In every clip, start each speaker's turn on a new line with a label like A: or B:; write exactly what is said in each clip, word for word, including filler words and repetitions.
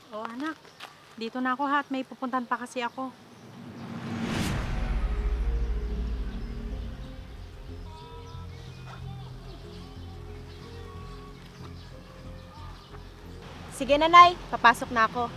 A: Oh, anak. Dito na ako ha at may pupuntan pa kasi ako.
B: Sige nanay, papasok na ako.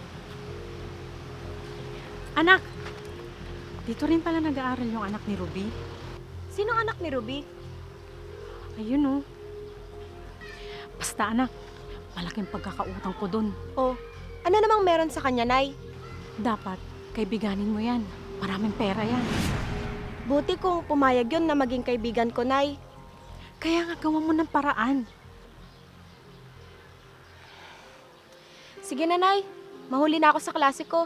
A: Anak! Dito rin pala nag-aaral yung anak ni Ruby.
B: Sino anak ni Ruby?
A: Ayun oh. Basta anak, malaking pagkakautang ko dun.
B: Oh, ano namang meron sa kanya, Nay?
A: Dapat, kaibiganin mo yan. Maraming pera yan.
B: Buti kung pumayag yun na maging kaibigan ko, Nay.
A: Kaya nga gawa mo ng paraan.
B: Sige na, Nay. Mahuli na ako sa klase ko.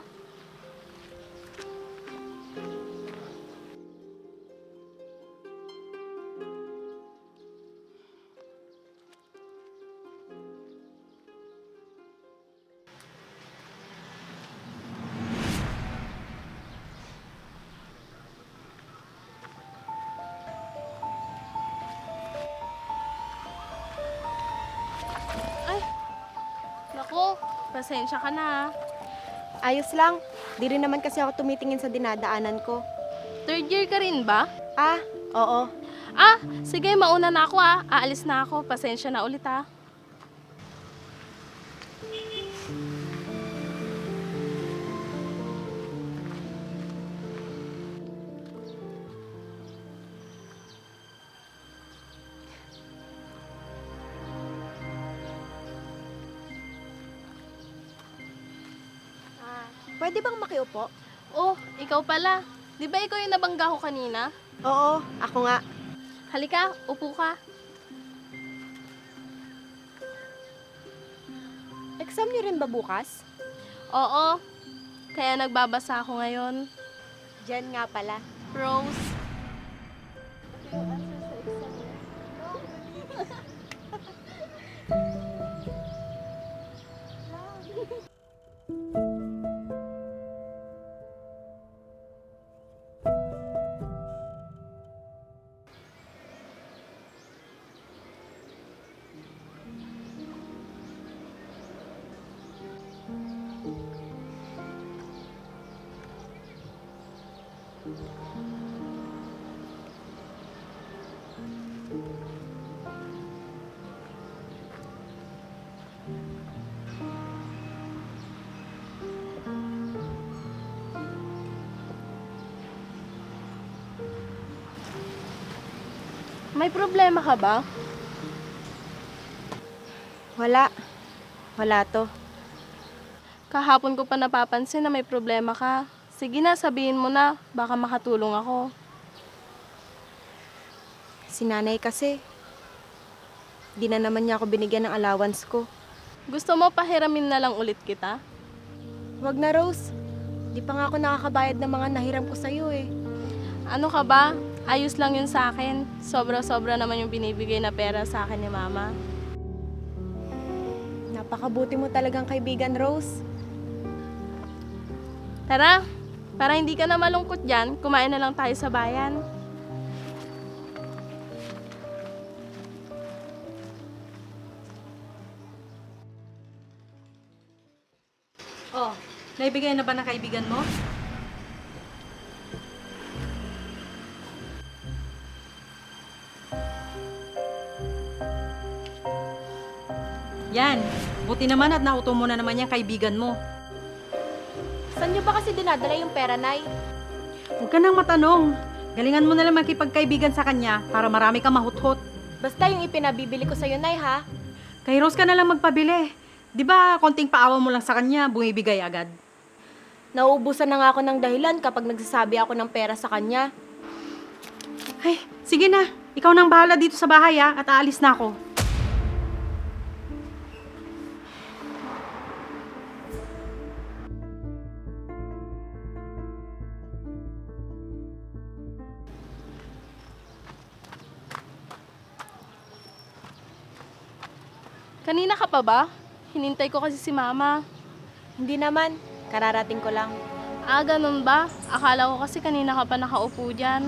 C: Naku, pasensya ka na.
B: Ayos lang. Di rin naman kasi ako tumitingin sa dinadaanan ko.
C: Third year ka rin ba?
B: Ah, oo.
C: Ah, sige, mauna na ako ah. Aalis na ako. Pasensya na ulit ah.
B: Pwede bang makiupo?
C: Oh, ikaw pala. Di ba ikaw yung nabangga ko kanina?
B: Oo, ako nga.
C: Halika, upo ka.
B: Exam niyo rin ba bukas?
C: Oo, kaya nagbabasa ako ngayon.
B: Diyan nga pala.
C: Rose. May problema ka ba?
B: Wala. Wala to.
C: Kahapon ko pa napapansin na may problema ka. Sige na, sabihin mo na. Baka makatulong ako.
B: Si nanay kasi. Di na naman niya ako binigyan ng allowance ko.
C: Gusto mo pahiramin na lang ulit kita?
B: Wag na, Rose. Di pa nga ako nakakabayad ng mga nahiram ko sa'yo eh.
C: Ano ka ba? Ayos lang yun sa akin. Sobra-sobra naman yung binibigay na pera sa akin ni Mama.
B: Napakabuti mo talagang kaibigan, Rose.
C: Tara, para hindi ka na malungkot dyan, kumain na lang tayo sa bayan.
A: Oh, naibigay na ba ng kaibigan mo? Yan. Buti naman at nauto mo na naman yung kaibigan mo.
B: Saan niyo ba kasi dinadala yung pera, Nay?
A: Huwag ka nang matanong. Galingan mo na lang makipagkaibigan sa kanya para marami kang mahuthot.
B: Basta yung ipinabibili ko sa'yo, Nay, ha?
A: Kay Rose ka na lang magpabili. Di ba konting paawa mo lang sa kanya, bumibigay agad?
B: Nauubusan na nga ako ng dahilan kapag nagsasabi ako ng pera sa kanya.
A: Ay, sige na. Ikaw nang bahala dito sa bahay ha, at aalis na ako.
C: Kanina ka pa ba? Hinintay ko kasi si Mama.
B: Hindi naman. Kararating ko lang.
C: Ah, ganun ba? Akala ko kasi kanina ka pa nakaupo dyan.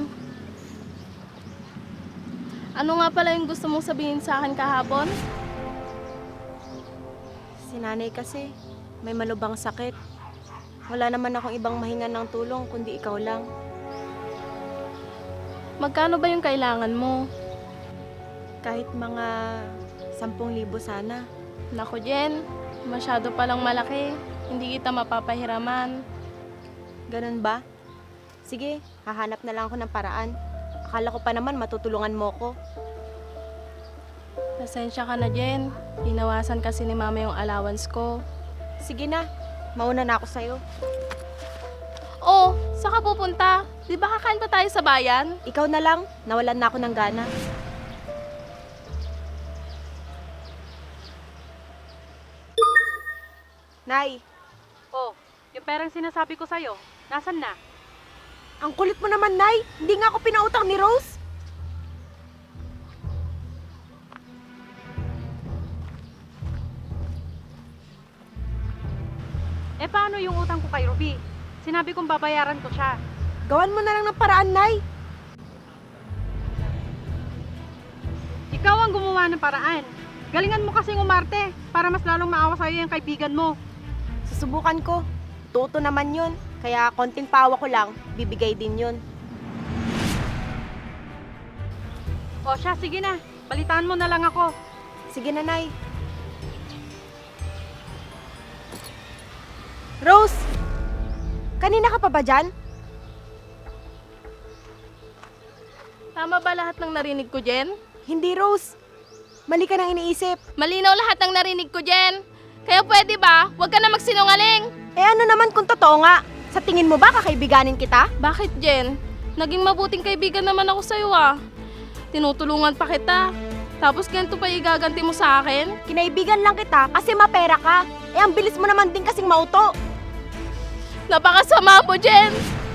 C: Ano nga pala yung gusto mong sabihin sa akin kahapon?
B: Si nanay kasi, may malubhang sakit. Wala naman akong ibang mahingan ng tulong kundi ikaw lang.
C: Magkano ba yung kailangan mo?
B: Kahit mga sampung libo sana.
C: Naku, Jen, masyado palang malaki. Hindi kita mapapahiraman.
B: Ganun ba? Sige, hahanap na lang ako ng paraan. Akala ko pa naman matutulungan mo ko.
C: Pasensya ka na, Jen. Hinawasan kasi ni Mama yung allowance ko.
B: Sige na, mauna na ako sa'yo.
C: Oh, saan ka pupunta? Di ba kakain pa tayo sa bayan?
B: Ikaw na lang, nawalan na ako ng gana. Nay,
A: Oh, yung perang sinasabi ko sa'yo, nasan na?
B: ang kulit mo naman, Nay. Hindi nga ako pinautang ni Rose.
A: Eh paano yung utang ko kay Ruby? Sinabi kong babayaran ko siya.
B: Gawan mo na lang ng paraan, Nay.
A: Ikaw ang gumawa ng paraan. Galingan mo kasing umarte para mas lalong maawa sa'yo yung kaibigan mo.
B: Susubukan ko. Tuto naman yun. Kaya konting pawa ko lang, bibigay din yun.
A: O siya, sige na. Balitaan mo na lang ako.
B: Sige na, Nay. Rose! Kanina ka pa ba dyan?
C: Tama ba lahat ng narinig ko, Jen?
B: Hindi, Rose. Mali ka nang iniisip.
C: Malinaw lahat ng narinig ko, Jen. Kaya pwede ba, huwag ka na magsinungaling?
B: Eh ano naman kung totoo nga? Sa tingin mo ba kakaibiganin kita?
C: Bakit, Jen? Naging mabuting kaibigan naman ako sa'yo ah. Tinutulungan pa kita. Tapos ganito pa igaganti mo sa akin?
B: Kinaibigan lang kita kasi mapera ka. Eh ang bilis mo naman din kasing mauto.
C: Napakasama mo, Jen!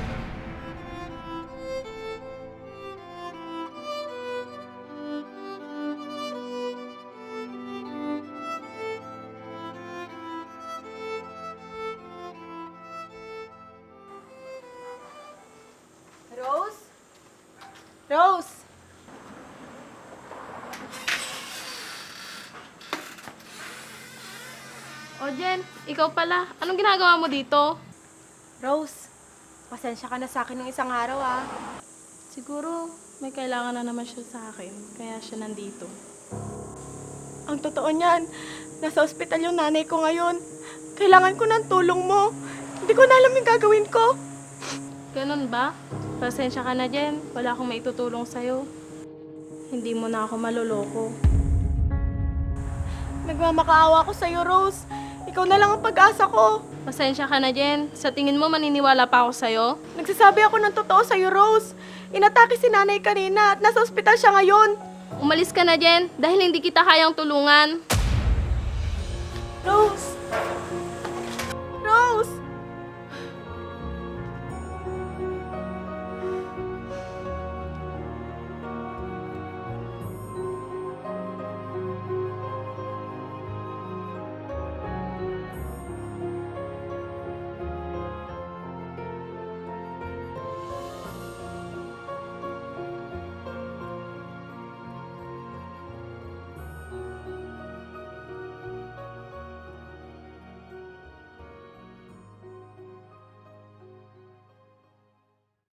B: Rose? Rose!
C: O, Jen, ikaw pala. Anong ginagawa mo dito?
B: Rose, pasensya ka na sa akin ng isang araw ah.
C: Siguro, may kailangan na naman siya sa akin. Kaya siya nandito.
D: Ang totoo niyan, nasa ospital yung nanay ko ngayon. Kailangan ko ng tulong mo. Hindi ko na alam yung gagawin ko.
C: Ganun ba? Pasensya ka na, Jen. Wala akong maitutulong sa'yo. Hindi mo na ako maloloko.
D: Nagmamakaawa ko sa'yo, Rose. Ikaw na lang ang pag-asa ko.
C: Pasensya ka na, Jen. Sa tingin mo, maniniwala pa ako sa'yo?
D: Nagsasabi ako ng totoo sa'yo, Rose. Inatake si nanay kanina at nasa ospital siya ngayon.
C: Umalis ka na, Jen, dahil hindi kita kayang tulungan.
D: Rose,